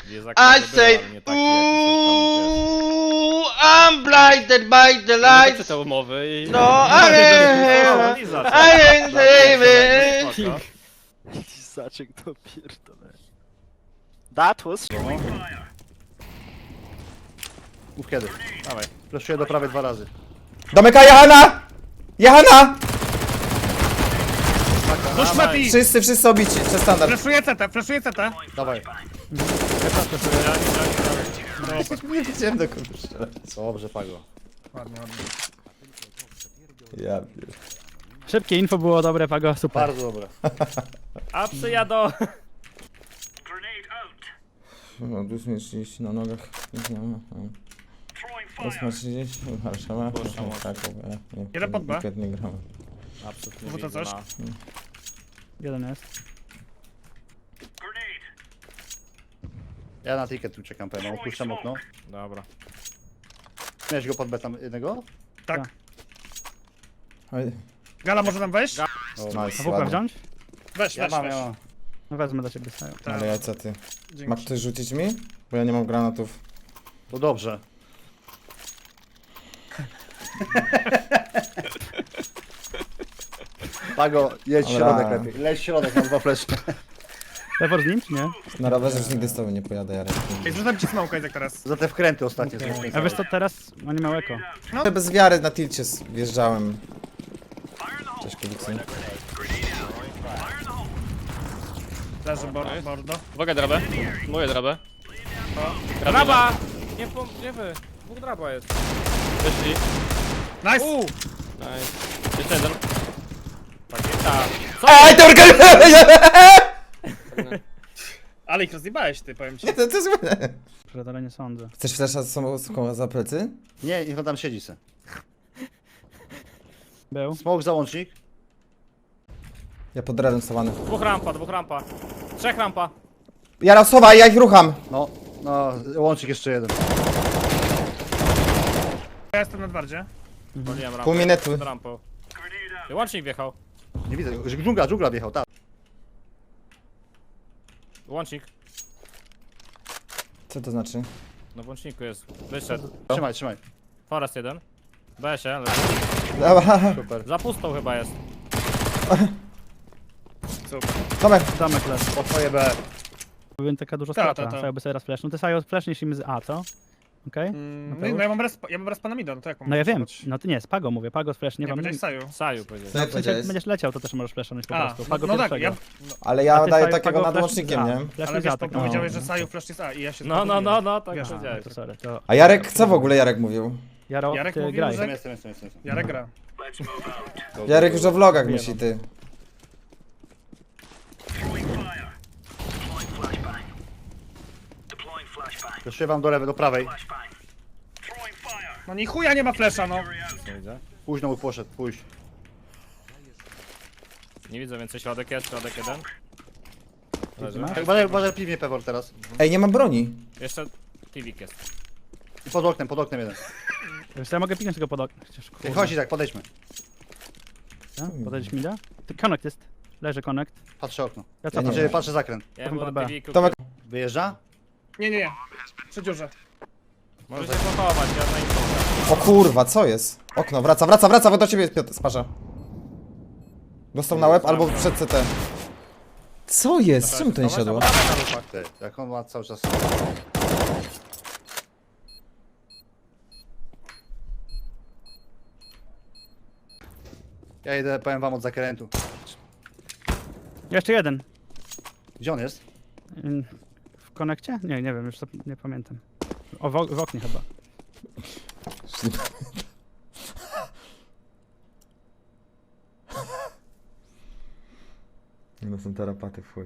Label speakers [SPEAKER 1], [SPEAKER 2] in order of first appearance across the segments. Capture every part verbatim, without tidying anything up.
[SPEAKER 1] I say, ooh, I'm blinded by the lights.
[SPEAKER 2] te umowy i...
[SPEAKER 1] No, I ain't, I ain't saving.
[SPEAKER 3] Lizaczek to pierdolę. That was...
[SPEAKER 4] Mów kiedy.
[SPEAKER 2] Dawaj.
[SPEAKER 4] Flashuję do prawej dwa razy.
[SPEAKER 5] Domyka Johana! Johana!
[SPEAKER 6] Push Mati!
[SPEAKER 5] Wszyscy, wszyscy obici, przez standard.
[SPEAKER 6] Flashuję C T, flashuję C T.
[SPEAKER 4] Dawaj.
[SPEAKER 5] Nie wiedziałem do kogo strzelać.
[SPEAKER 4] Dobrze, Pago.
[SPEAKER 6] Ładnie, ładnie.
[SPEAKER 5] Ja pier...
[SPEAKER 3] Szybkie info było dobre, Pago, super.
[SPEAKER 4] Bardzo dobre.
[SPEAKER 2] A przyjadą!
[SPEAKER 5] No, tu jest trzydzieści na nogach. osiem trzydzieści, Warszawa. Tak, nie.
[SPEAKER 6] Jeden pod B.
[SPEAKER 5] Nie gramy.
[SPEAKER 2] Absolutnie
[SPEAKER 6] Rzucę coś?
[SPEAKER 2] na...
[SPEAKER 3] Jeden jest.
[SPEAKER 4] Ja na ticket tu czekam pewno, opuszczam okno.
[SPEAKER 2] Dobra.
[SPEAKER 4] Miałeś go pod B tam jednego?
[SPEAKER 6] Tak.
[SPEAKER 5] Oj,
[SPEAKER 6] Gala może nam wejść?
[SPEAKER 4] O,
[SPEAKER 5] nice,
[SPEAKER 3] A w ogóle
[SPEAKER 5] ładnie.
[SPEAKER 3] wziąć?
[SPEAKER 6] Weź,
[SPEAKER 4] Ja
[SPEAKER 6] weź,
[SPEAKER 4] mam,
[SPEAKER 6] weź.
[SPEAKER 4] ja mam.
[SPEAKER 3] No wezmę do ciebie stają.
[SPEAKER 6] Tak.
[SPEAKER 5] Ale jajca ty.
[SPEAKER 6] Dzięki.
[SPEAKER 5] Ma ktoś rzucić mi? Bo ja nie mam granatów.
[SPEAKER 4] To dobrze. Pago, jedź
[SPEAKER 5] Dobra.
[SPEAKER 4] środek lepiej. Leć środek na dwa flesze.
[SPEAKER 3] Lewo z nim, czy nie?
[SPEAKER 5] Na rowerze już nigdy z tobą nie pojadę, Jarek.
[SPEAKER 6] Ej, zrzucam ci smoke'a jak teraz.
[SPEAKER 4] Za te wkręty ostatnie.
[SPEAKER 3] Okay. A wiesz co, teraz oni mają eko.
[SPEAKER 5] Bez wiary na tilcie s- wjeżdżałem. Cześć, kubicy.
[SPEAKER 6] Leży bor- bordo.
[SPEAKER 2] Uwaga, drabę. Moje drabę. Draba! Nie, po, nie wy. Dwóch draba jest. Wyszli.
[SPEAKER 6] Nice!
[SPEAKER 2] Uuu! Nice. Jeszcze jeden. Pakieta. Co?
[SPEAKER 5] Ej, to
[SPEAKER 6] Ale ich rozjebałeś ty, powiem ci.
[SPEAKER 5] Nie, to, to jest złe.
[SPEAKER 3] Przedale nie sądzę.
[SPEAKER 5] Chcesz flesza z sobą za plecy?
[SPEAKER 4] Nie, niech on tam siedzi se.
[SPEAKER 3] Był.
[SPEAKER 4] Smoke załącznik.
[SPEAKER 5] Ja pod redem stawany.
[SPEAKER 2] Dwóch rampa, dwóch rampa. Trzech rampa.
[SPEAKER 5] Jarosława, ja ich rucham!
[SPEAKER 4] No, no, łącznik jeszcze jeden.
[SPEAKER 6] Ja jestem na dwardzie.
[SPEAKER 2] Waliłem rampę.
[SPEAKER 5] Pół minuty.
[SPEAKER 2] Pod rampą. I łącznik wjechał.
[SPEAKER 4] Nie widzę, że dżungla, dżungla wjechał, tak.
[SPEAKER 2] Łącznik.
[SPEAKER 5] Co to znaczy?
[SPEAKER 2] No w łączniku jest. Wyszedł.
[SPEAKER 4] Trzymaj, trzymaj.
[SPEAKER 2] Forest jeden. B się, ale...
[SPEAKER 5] Dobra,
[SPEAKER 4] Super.
[SPEAKER 2] Za pustą chyba jest.
[SPEAKER 6] Super.
[SPEAKER 5] Tomek.
[SPEAKER 3] Zamek leży.
[SPEAKER 4] Po twoje B.
[SPEAKER 3] Byłem taka dużo
[SPEAKER 6] Ta,
[SPEAKER 3] strata.
[SPEAKER 6] ta, ta.
[SPEAKER 3] Saju by sobie raz flash. No ty Saju flashniesz im z A, co? Okej?
[SPEAKER 6] Mm,
[SPEAKER 3] Mateusz?
[SPEAKER 6] no ja mam respa, ja mam respa na mida, no to jak mam
[SPEAKER 3] No ja wiem.
[SPEAKER 6] flashować?
[SPEAKER 3] No ty nie, z Pago mówię. Pago z flash, nie
[SPEAKER 6] Nie,
[SPEAKER 3] wam.
[SPEAKER 6] powiedziałeś Saju.
[SPEAKER 2] Saju powiedział.
[SPEAKER 5] Co ja
[SPEAKER 3] W sensie, jak
[SPEAKER 5] powiedziałeś?
[SPEAKER 3] będziesz leciał, to też możesz flashnąć po
[SPEAKER 6] A,
[SPEAKER 3] prostu.
[SPEAKER 6] no,
[SPEAKER 3] Pago
[SPEAKER 6] no tak,
[SPEAKER 3] pierwszego.
[SPEAKER 6] ja, no,
[SPEAKER 5] Ale
[SPEAKER 3] A
[SPEAKER 5] ja
[SPEAKER 3] ty,
[SPEAKER 5] daję
[SPEAKER 3] Saju,
[SPEAKER 5] takiego
[SPEAKER 3] Pago
[SPEAKER 5] nad
[SPEAKER 3] flash
[SPEAKER 5] łącznikiem,
[SPEAKER 3] z A.
[SPEAKER 5] nie?
[SPEAKER 3] Flash
[SPEAKER 6] ale
[SPEAKER 3] z
[SPEAKER 6] wiesz,
[SPEAKER 3] A,
[SPEAKER 6] to
[SPEAKER 3] tak no.
[SPEAKER 6] powiedziałeś, że Saju flash jest A i ja się
[SPEAKER 2] No, no, no, no, tak
[SPEAKER 3] A,
[SPEAKER 2] powiedziałeś.
[SPEAKER 3] to sorry, to...
[SPEAKER 5] A Jarek, co w ogóle Jarek mówił?
[SPEAKER 3] Jaro,
[SPEAKER 6] Jarek
[SPEAKER 3] ty
[SPEAKER 6] mówił,
[SPEAKER 3] graj.
[SPEAKER 6] że-
[SPEAKER 4] Jestem, jestem, jestem, jestem.
[SPEAKER 6] Jarek gra.
[SPEAKER 5] Jarek już o vlogach myśli, ty.
[SPEAKER 4] Flashuję wam do lewej, do prawej.
[SPEAKER 6] No ni chuja nie ma flasha, no.
[SPEAKER 4] Późno mu poszedł, pójść.
[SPEAKER 2] Nie widzę więcej, środek jest, środek jeden. Leży.
[SPEAKER 3] masz?
[SPEAKER 4] Tak, Uważaj, uważaj, piwnie Pewor teraz.
[SPEAKER 5] Ej, nie mam broni.
[SPEAKER 2] Jeszcze Tivik jest.
[SPEAKER 4] I pod oknem, pod oknem jeden.
[SPEAKER 3] Wiesz co, ja mogę piknąć tego pod okno. Chociaż,
[SPEAKER 4] Ej,
[SPEAKER 3] kurde.
[SPEAKER 4] chodź i tak, podejdźmy.
[SPEAKER 3] Ja? Podejdziesz mi da? Ty connect jest. Leży connect.
[SPEAKER 4] Patrzę okno.
[SPEAKER 3] Ja co
[SPEAKER 5] nie
[SPEAKER 4] Znaczy, patrzę zakręt.
[SPEAKER 2] Ja
[SPEAKER 3] Potem
[SPEAKER 2] byłem
[SPEAKER 3] pod
[SPEAKER 2] na
[SPEAKER 3] B.
[SPEAKER 2] Tiviku.
[SPEAKER 5] Tomek,
[SPEAKER 4] Wyjeżdża?
[SPEAKER 6] Nie, nie, nie. Przy dziurze.
[SPEAKER 2] Możesz się pochować, ja na info.
[SPEAKER 5] o kurwa, co jest? Okno, wraca, wraca, wraca, do ciebie Piotr, sparza. Dostał na łeb albo przed C T. Co jest? Czemu to nie siadło?
[SPEAKER 4] Ty, jak on ma cały czas... Ja idę, powiem wam od zakrętu.
[SPEAKER 3] Jeszcze jeden.
[SPEAKER 4] Gdzie on jest?
[SPEAKER 3] Ym, W konekcie? Nie, nie wiem, już to nie pamiętam. O, w, ok- w oknie chyba.
[SPEAKER 5] No są terapaty w chuj.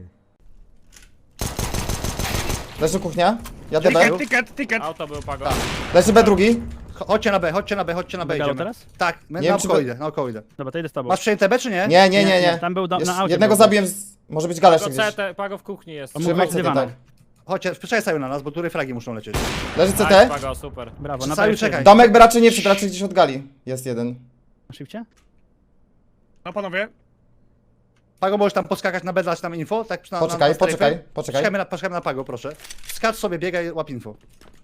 [SPEAKER 5] Leży kuchnia, jadę B.
[SPEAKER 6] Ticket, ticket, ticket.
[SPEAKER 2] Auto był pago.
[SPEAKER 5] Leży B drugi.
[SPEAKER 4] Cho- Chodźcie na B, chodźcie na B, chodźcie na B,
[SPEAKER 3] Galo
[SPEAKER 4] idziemy.
[SPEAKER 3] teraz?
[SPEAKER 4] Tak, my
[SPEAKER 5] Nie wiem,
[SPEAKER 4] naokoło
[SPEAKER 5] czy-
[SPEAKER 4] idę, naokoło idę.
[SPEAKER 3] Dobra, to idę z tobą.
[SPEAKER 4] Masz przejęte B czy nie?
[SPEAKER 5] Nie, nie, nie, nie.
[SPEAKER 3] Tam był do,
[SPEAKER 5] Jest,
[SPEAKER 3] na aucie.
[SPEAKER 5] jednego
[SPEAKER 3] był.
[SPEAKER 5] zabiłem, z... może być gala
[SPEAKER 2] Pago
[SPEAKER 5] jeszcze gdzieś.
[SPEAKER 2] C T, pago w kuchni jest.
[SPEAKER 3] On
[SPEAKER 5] Trzymaj
[SPEAKER 3] mógł
[SPEAKER 5] C T,
[SPEAKER 3] być dywan.
[SPEAKER 5] tak.
[SPEAKER 4] Chodźcie, przyczaj na nas, bo tu fragi muszą lecieć.
[SPEAKER 5] Leży
[SPEAKER 2] Nice,
[SPEAKER 5] C T.
[SPEAKER 2] pago, super.
[SPEAKER 3] Brawo, na
[SPEAKER 4] Saju,
[SPEAKER 3] B
[SPEAKER 4] czekaj.
[SPEAKER 5] Domek by raczej nie wszedł, raczej gdzieś od gali. Jest jeden.
[SPEAKER 3] Na shifcie?
[SPEAKER 6] No panowie.
[SPEAKER 4] Pago, możesz tam poskakać na B, dać nam info? Tak, na,
[SPEAKER 5] Poczekaj,
[SPEAKER 4] na, na strefę?
[SPEAKER 5] poczekaj, poczekaj.
[SPEAKER 4] Poczekajmy na, poczekajmy na Pago, proszę. skacz sobie, biegaj, łap info.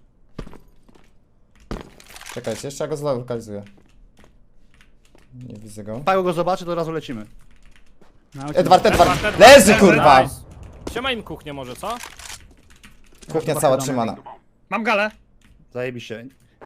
[SPEAKER 5] Czekajcie, jeszcze ja go zlokalizuję. Nie widzę go.
[SPEAKER 4] Pago go zobaczy, to od razu lecimy.
[SPEAKER 3] No,
[SPEAKER 5] Edward, Edward!
[SPEAKER 6] Edward,
[SPEAKER 5] Leży
[SPEAKER 6] Edward,
[SPEAKER 5] kurwa!
[SPEAKER 2] Nice. Siema im kuchnię może, co?
[SPEAKER 5] Kuchnia cała trzymana.
[SPEAKER 6] Mam galę.
[SPEAKER 4] Zajebiście.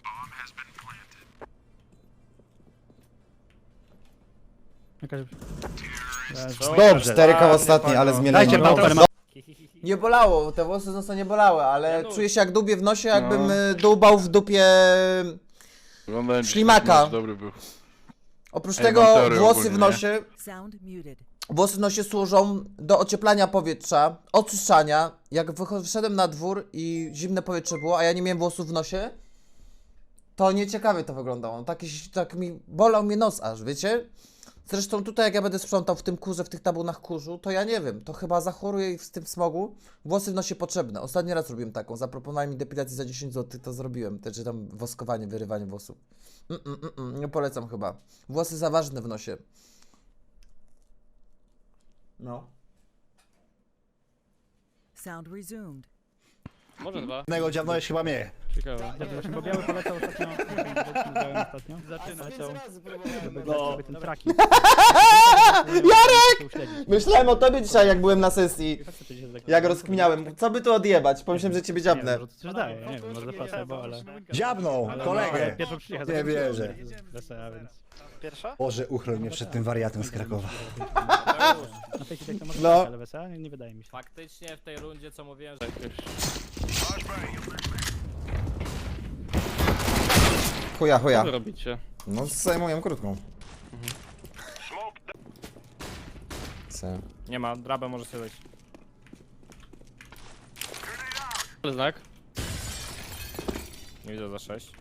[SPEAKER 3] Jakaś...
[SPEAKER 5] Dobrze, cztery koło ostatni, ale zmielenie.
[SPEAKER 4] Dajcie
[SPEAKER 3] No,
[SPEAKER 4] Pago.
[SPEAKER 3] no,
[SPEAKER 5] Nie bolało, te włosy z nosa nie bolały, ale
[SPEAKER 2] Ja
[SPEAKER 5] czuję się jak dubie w nosie, jakbym y, dłubał w dupie...
[SPEAKER 7] Wyglądałem dzisiaj,
[SPEAKER 5] Ślimaka.
[SPEAKER 7] mecz dobry był.
[SPEAKER 5] Oprócz
[SPEAKER 7] Ej,
[SPEAKER 5] tego
[SPEAKER 7] mam teorię
[SPEAKER 5] włosy
[SPEAKER 7] ogólnie,
[SPEAKER 5] w nosie,
[SPEAKER 8] Sound muted.
[SPEAKER 5] włosy w nosie służą do ocieplania powietrza, oczyszczania. Jak wycho- wyszedłem na dwór i zimne powietrze było, a ja nie miałem włosów w nosie, to nieciekawie to wyglądało. Taki, tak mi bolał mnie nos aż, wiecie? Zresztą tutaj jak ja będę sprzątał w tym kurze, w tych tabunach kurzu, to ja nie wiem, to chyba zachoruję w tym smogu. Włosy w nosie potrzebne. Ostatni raz robiłem taką, zaproponowali mi depilację za dziesięć złotych, to zrobiłem. Te, czy tam woskowanie, wyrywanie włosów. Mm, mm, mm, mm, nie polecam chyba. Włosy za ważne w nosie. No.
[SPEAKER 8] Sound resumed.
[SPEAKER 2] Może dwa.
[SPEAKER 4] Jednego dziabnąłeś chyba mnie.
[SPEAKER 2] Ciekawe.
[SPEAKER 3] Ja właśnie, bo biały polecał ostatnio. Biały ostatnio. Zaczyna. Żeby grać sobie ten tracking.
[SPEAKER 5] Jarek! Myślałem o tobie dzisiaj, jak byłem na sesji. Jak rozkminiałem, co by tu odjebać? Pomyślałem, że ciebie dziabnę.
[SPEAKER 3] Może coś daje, nie wiem, może placebo, ale...
[SPEAKER 4] Dziabnął,
[SPEAKER 3] ale
[SPEAKER 4] kolegę.
[SPEAKER 3] Pierwszy przyjechał.
[SPEAKER 4] Nie wierzę.
[SPEAKER 3] Wesela, więc...
[SPEAKER 1] Pierwsza?
[SPEAKER 4] Boże, uchroń mnie przed tym wariatem z Krakowa.
[SPEAKER 3] Na tej chwili to może
[SPEAKER 5] No.
[SPEAKER 3] być, ale wesela nie, nie wydaje mi się.
[SPEAKER 2] Faktycznie w tej rundzie, co mówiłem, że...
[SPEAKER 5] Chuja, chuja.
[SPEAKER 2] Co wy robicie?
[SPEAKER 5] No, zajmuję krótką. Co?
[SPEAKER 2] Nie ma, drabę może sobie wejść. Ale znak? Nie widzę za sześć.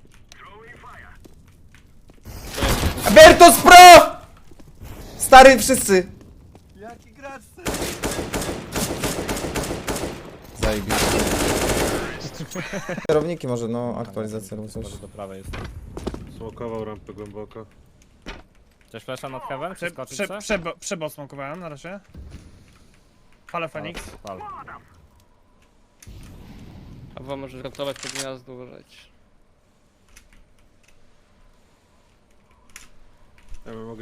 [SPEAKER 5] Bertos Pro! Stary, wszyscy! Jaki gracz? Zajebiście. Kierowniki może, no, aktualizacja lub coś.
[SPEAKER 2] Może do prawej jest.
[SPEAKER 9] Smokował rampę głęboko.
[SPEAKER 2] Chcesz flasha nad heaven?
[SPEAKER 6] Prze,
[SPEAKER 2] Przeskoczyć
[SPEAKER 6] prze,
[SPEAKER 2] se?
[SPEAKER 6] przebo, przebosmokowałem na razie. Fale Fenix.
[SPEAKER 2] Pal.
[SPEAKER 1] A wam możesz ratować to gniazdo, uważajcie.
[SPEAKER 9] Ja bym mogę